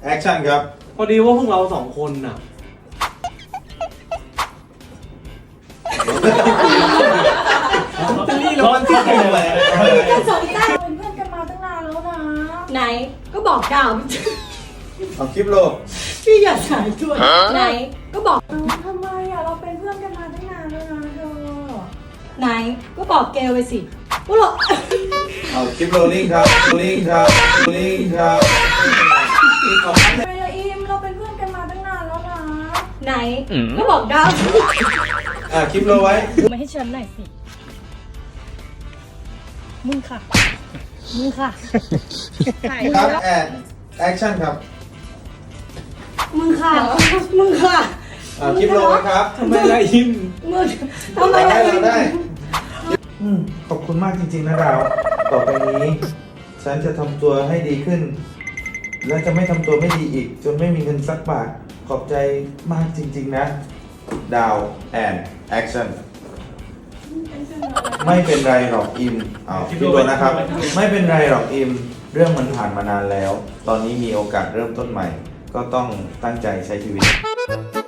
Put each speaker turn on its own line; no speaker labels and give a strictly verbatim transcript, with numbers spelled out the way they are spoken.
แอคชั่นครับ
พอดีว่าพวกเราสองคนน่ะ
นี่เรามันที่ไหนเลย
สองต้าเป็นเพื่อนกันมาตั้งนานแล้วนะ ไหนก็บอกดาว
เอาคลิปโล
พี่อย่าสายตัวไหนก็บอกทำไมอ่ะเราเป็นเพื่อนกันมาตั้งนานแล้วนะเธอไหนก็บอกเกลไปสิว่าเรา
เอาคลิปโรลลิ่งครับโรลลิ่งครับโรลลิ่งครับเอา
ทำไมล่ะอิมเราเป็นเพื่อนกันมาตั้งนานแล้วนะไหนก็บอกดาว
อ่ะคลิปโรไว้
มาให้ฉันหน่อยสิมึงค่ะมึงค่ะ
ครับแอนแอคชั่นครับ
มึงค่ะมึงค่ะ
อ่ะคลิปโรไว้ครับ
ทำไมล่ะอิม
มึงทำไม
เรา
ล่ะ
ได้
อิ
เรา
ม
ได้อืมขอบคุณมากจริงๆนะดาว ต่อไปนี้ ฉันจะทำตัวให้ดีขึ้น และจะไม่ทำตัวไม่ดีอีก จนไม่มีเงินสักบาท ขอบใจมากจริงๆนะ ดาวแอนแอคชั่นไม่เป็นไรหรอกอิมเอาคลิปโรนะครับ ไม่เป็นไรหรอกอิม เรื่องมันผ่านมานานแล้ว ตอนนี้มีโอกาสเริ่มต้นใหม่ ก็ต้องตั้งใจใช้ชีวิต